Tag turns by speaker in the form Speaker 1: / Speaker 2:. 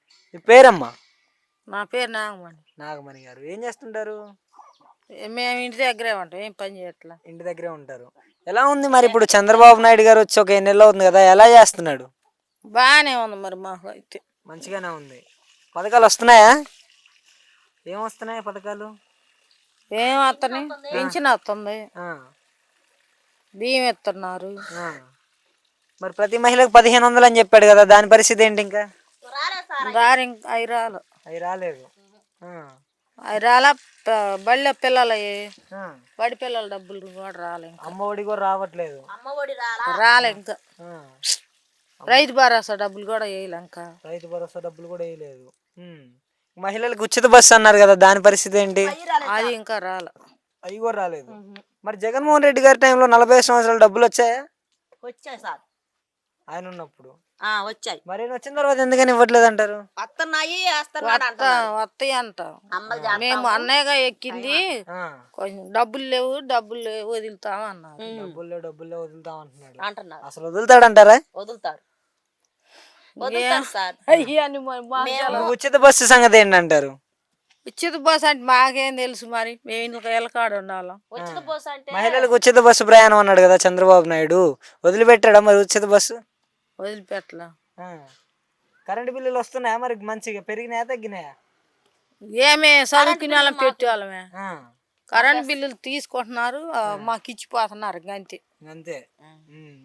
Speaker 1: మీ పేరమ్మా?
Speaker 2: నా పేరు నాగమణి.
Speaker 1: నాగమణి గారు ఏం చేస్తుంటారు?
Speaker 2: మేము ఇంటి దగ్గరే ఉంటాం, ఏం పని చేయట్లా.
Speaker 1: ఇంటి దగ్గరే ఉంటారు. ఎలా ఉంది మరి ఇప్పుడు చంద్రబాబు నాయుడు గారు వచ్చి ఒక 2 నెలలు అవుతుంది కదా, ఎలా చేస్తున్నాడు?
Speaker 2: బాగానే ఉంది మరి మాకు అయితే.
Speaker 1: మంచిగానే ఉంది. పథకాలు వస్తున్నాయా? ఏం వస్తున్నాయి పథకాలు?
Speaker 2: ఏం వస్తుంది, పింఛన్ వస్తుంది, బియ్యం ఇస్తున్నారు.
Speaker 1: మరి ప్రతి మహిళకు 1500 అని చెప్పాడు కదా, దాని పరిస్థితి ఏంటి? ఇంకా
Speaker 2: అవి రాలు,
Speaker 1: అవి రాలేదు.
Speaker 2: అవి రాలా. బళ్ళ పిల్లలు, బడి పిల్లల డబ్బులు కూడా రాలే.
Speaker 1: అమ్మ ఒడి కూడా రావట్లేదు.
Speaker 2: రాలే ఇంకా. రైతు భరోసా డబ్బులు కూడా వేయలే ఇంకా.
Speaker 1: రైతు భరోసా డబ్బులు కూడా వేయలేదు. మహిళలకు ఉచిత బస్సు అన్నారు కదా, దాని పరిస్థితి ఏంటి?
Speaker 2: అది ఇంకా రాలే.
Speaker 1: అవి కూడా రాలేదు. మరి జగన్మోహన్ రెడ్డి గారి టైంలో 40 సంవత్సరాల డబ్బులు వచ్చాయా?
Speaker 3: వచ్చాయి సార్,
Speaker 1: ఆయన ఉన్నప్పుడు
Speaker 3: వచ్చాయి.
Speaker 1: మరి వచ్చిన తర్వాత ఎందుకని ఇవ్వట్లేదు అంటారు?
Speaker 3: వస్తున్నాయి
Speaker 2: వస్తాయి అంట. మేము అన్నయ్యగా ఎక్కింది, కొంచెం డబ్బులు లేవు వదులుతాం అన్నారు.
Speaker 1: డబ్బులు లేవు వదులుతాం
Speaker 3: అంటున్నారు.
Speaker 1: అసలు వదులుతాడంటారా?
Speaker 3: వదులుతారు సార్.
Speaker 1: ఉచిత బస్సు సంగతి ఏంటంటారు?
Speaker 2: ఉచిత బస్సు అంటే మాకేం తెలుసు, మరి మేము ఇంట్లో ఎలకాడ ఉండాలి.
Speaker 3: ఉచిత బస్సు అంటే
Speaker 1: మహిళలకు ఉచిత బస్సు ప్రయాణం అన్నాడు కదా చంద్రబాబు నాయుడు, వదిలిపెట్టాడా మరి ఉచిత బస్సు?
Speaker 2: వదిలిపెట్టలా.
Speaker 1: కరెంటు బిల్లులు వస్తున్నాయా మరి? మంచిగా పెరిగినాయా తగ్గినాయా?
Speaker 2: ఏమే చదువుకునే వాళ్ళం పెట్టేవాళ్ళమే. కరెంట్ బిల్లులు తీసుకుంటున్నారు, మాకు ఇచ్చిపోతున్నారు అంతే.